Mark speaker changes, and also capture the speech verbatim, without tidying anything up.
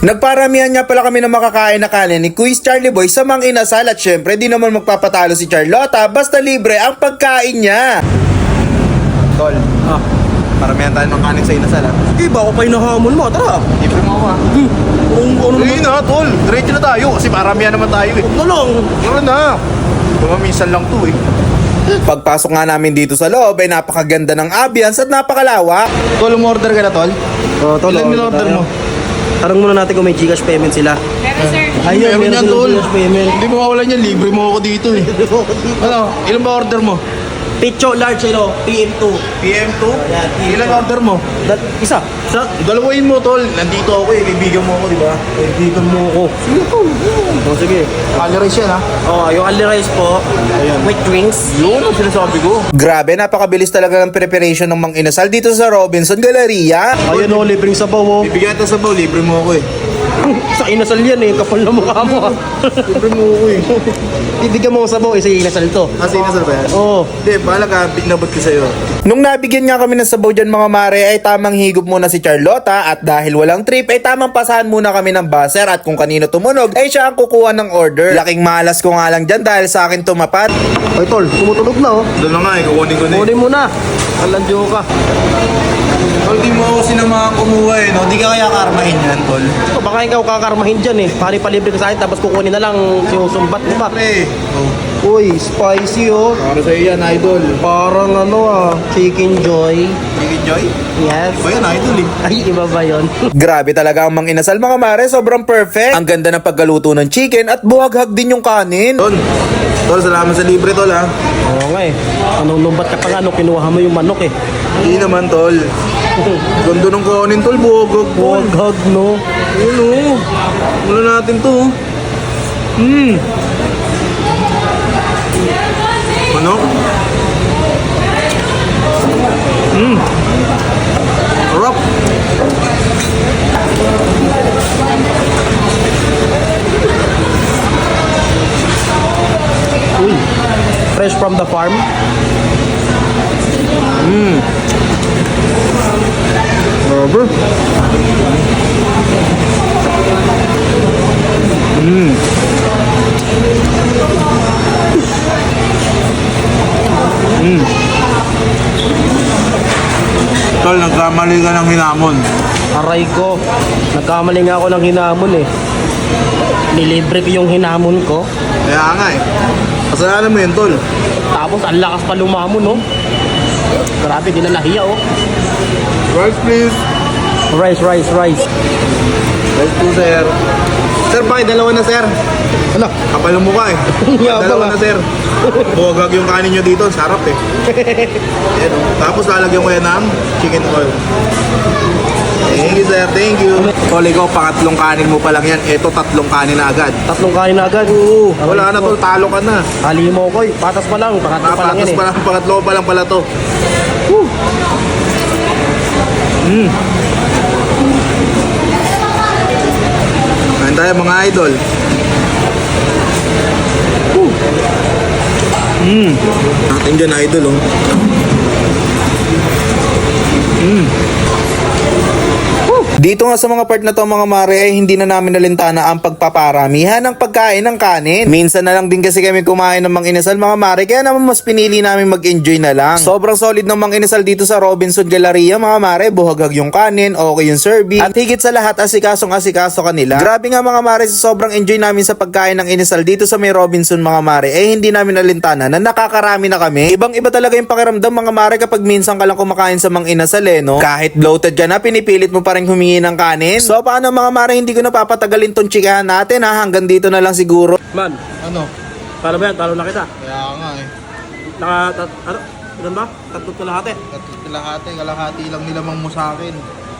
Speaker 1: Nagparamihan nga pala kami ng makakain na kanin ni Quiz Charlie Boy sa Mang Inasal at syempre di naman magpapatalo si Charlotta basta libre ang pagkain niya.
Speaker 2: Tol,
Speaker 3: Ah,
Speaker 2: paramihan tayo ng kanin sa inasal ha.
Speaker 3: eh baka pa hinahamon mo, tara.
Speaker 2: Libre mo ako ha.
Speaker 3: Hmm, ano, ano
Speaker 2: Hindi
Speaker 3: naman?
Speaker 2: na tol, diretso na tayo kasi paramihan naman tayo eh.
Speaker 3: Ano lang?
Speaker 2: Meron na. Tumamisan lang to eh.
Speaker 1: Pagpasok nga namin dito sa loob ay napakaganda ng ambience at napakalawak.
Speaker 2: Tol, umorder ka na tol?
Speaker 3: Oh, tol,
Speaker 2: Ilan
Speaker 3: order
Speaker 2: in-order
Speaker 3: tayo.
Speaker 2: mo?
Speaker 3: Tanong muna natin kung may Gcash payment sila.
Speaker 4: Meron, sir.
Speaker 3: Ayun, meron
Speaker 2: yan,
Speaker 3: silang
Speaker 2: tol.
Speaker 3: Gcash payment.
Speaker 2: Hindi mo mawalan yan, libre mo ako dito eh. Ano, ilan ba order mo?
Speaker 3: Picho large, ano, P M two.
Speaker 2: P M two?
Speaker 3: Yan, P M two.
Speaker 2: Ilan order mo?
Speaker 3: That, isa. Isa.
Speaker 2: Dalawain mo tol, nandito ako eh, kaibigan mo ako di ba?
Speaker 3: Kaibigan mo ako. Sige po. Oh, sige.
Speaker 2: Calories yan ha.
Speaker 3: Oh, yung only rice po. With drinks.
Speaker 2: Yun ang sinasabi ko.
Speaker 1: Grabe, napakabilis talaga ng preparation ng Mang Inasal dito sa Robinson Galleria.
Speaker 3: Ayun o, libreng sabaw oh.
Speaker 2: Bibigyan kita sa baw, libre mo ako eh.
Speaker 3: Sa inasal yan eh, kapal na mukha mo ah.
Speaker 2: Libre mo ako eh.
Speaker 3: Bibigyan mo ako sabaw eh, sa inasal to.
Speaker 2: Kasi inasal ba yan?
Speaker 3: Oo.
Speaker 2: Hindi, bahala ka, pinabot ko sa'yo.
Speaker 1: Nung nabigyan nga kami ng sabaw dyan mga mare ay tamang higop muna si Charlotta at dahil walang trip ay tamang pasahan muna kami ng buzzer at kung kanino tumunog ay siya ang kukuha ng order. Laking malas ko nga lang dyan dahil sa akin tumapat.
Speaker 3: Ay tol, tumutunog na oh.
Speaker 2: Doon na nga eh, kukunin ko na eh.
Speaker 3: Kunin mo na. Alandyo ka.
Speaker 2: Tol, di mo ako sinamahan kumuha eh, no? Di ka kaya karmahin yan, tol.
Speaker 3: So, baka ikaw kakarmahin dyan eh. Pari palibre ka sa akin tapos kukunin na lang yung sumbat mo pa.
Speaker 2: Pre, oh.
Speaker 3: Uy, spicy oh.
Speaker 2: Para sa'yo yan, idol.
Speaker 3: Parang ano ah, chicken joy.
Speaker 2: Chicken Joy?
Speaker 3: Yes.
Speaker 2: Ba yan, idol eh.
Speaker 3: Ay, iba ba yun?
Speaker 1: Grabe talaga ang Mang Inasal mga mare, sobrang perfect. Ang ganda ng paggaluto ng chicken at buhaghag din yung kanin.
Speaker 2: Tol, tol, salamat sa libre, tol ha.
Speaker 3: Oo nga eh. Anong lumbat ka pa nga nung kinuha mo yung manok eh.
Speaker 2: Hindi naman, tol. Ganda ng kanin, tol, buhagag, tol.
Speaker 3: Buhaghag no.
Speaker 2: Yun oh. Mula natin to. oh. Hmm. Ano? Hmm. Sarap.
Speaker 3: Uy, fresh from the farm.
Speaker 2: Rubber. Hmm. Hmm. Tol, nagkamali ka ng hinamon.
Speaker 3: Aray ko, nagkamali nga ako ng hinamon eh. Nilibre ko yung hinamon ko.
Speaker 2: Kaya nga eh. Kasalanan mo yun, tol.
Speaker 3: Tapos ang lakas pa lumamon no. Grabe, di na nahiya oh.
Speaker 2: Rice, please.
Speaker 3: Rice, rice, rice.
Speaker 2: Rice po, sir. Sir, bakit dalawa na, sir?
Speaker 3: Ano?
Speaker 2: Kapal ng mukha eh.
Speaker 3: Yabang,
Speaker 2: Dalawa
Speaker 3: ah.
Speaker 2: na, sir. Buwagag yung kanin nyo dito. Sarap eh. Ayan, oh. Tapos lalagyan ko yan ng chicken oil. Thank you, sir. Thank you. Tol, ikaw, pangatlong kanin mo pa lang yan. Ito, tatlong kanin na agad.
Speaker 3: Tatlong kain na agad.
Speaker 2: Oo,
Speaker 3: Aray
Speaker 2: wala na,
Speaker 3: ko.
Speaker 2: tol. Talo ka na.
Speaker 3: Hali mo ko, patas pa lang, pangatlo pa lang yan
Speaker 2: Papatos
Speaker 3: eh.
Speaker 2: pa lang. Pangatlo pa lang pala to. Woo! Mm. Kain tayo, mga idol. Woo! Mm. Natin dyan, idol, oh. Mm.
Speaker 1: Dito nga sa mga part na to mga mare ay hindi na namin nalintana ang pagpaparamihan ng pagkain ng kanin. Minsan na lang din kasi kami kumain ng Mang Inasal mga mare kaya naman mas pinili namin mag-enjoy na lang. Sobrang solid ng Mang Inasal dito sa Robinson Galleria mga mare, buhaghag yung kanin, okay yung serving at higit sa lahat asikasong asikaso kanila. Grabe nga mga mare, sa sobrang enjoy namin sa pagkain ng Inasal dito sa may Robinson mga mare eh hindi namin nalintana na nakakarami na kami. Ibang iba talaga yung pakiramdam mga mare kapag minsan ka lang kumakain sa Mang Inasal eh no. Kahit bloated ka na pinipilit mo pa rin humingi ng kanin. So paano mga mare, hindi ko na papatagalin tong chikahan natin ha, hanggang dito na lang siguro.
Speaker 3: Man,
Speaker 2: Ano?
Speaker 3: paano ba yan? Talo na kita.
Speaker 2: Kaya nga eh.
Speaker 3: Naka, tat, ano? Ilan ba? Tatlot ka lahat eh.
Speaker 2: Kalahati, kalahati lang nilamang mo sa akin.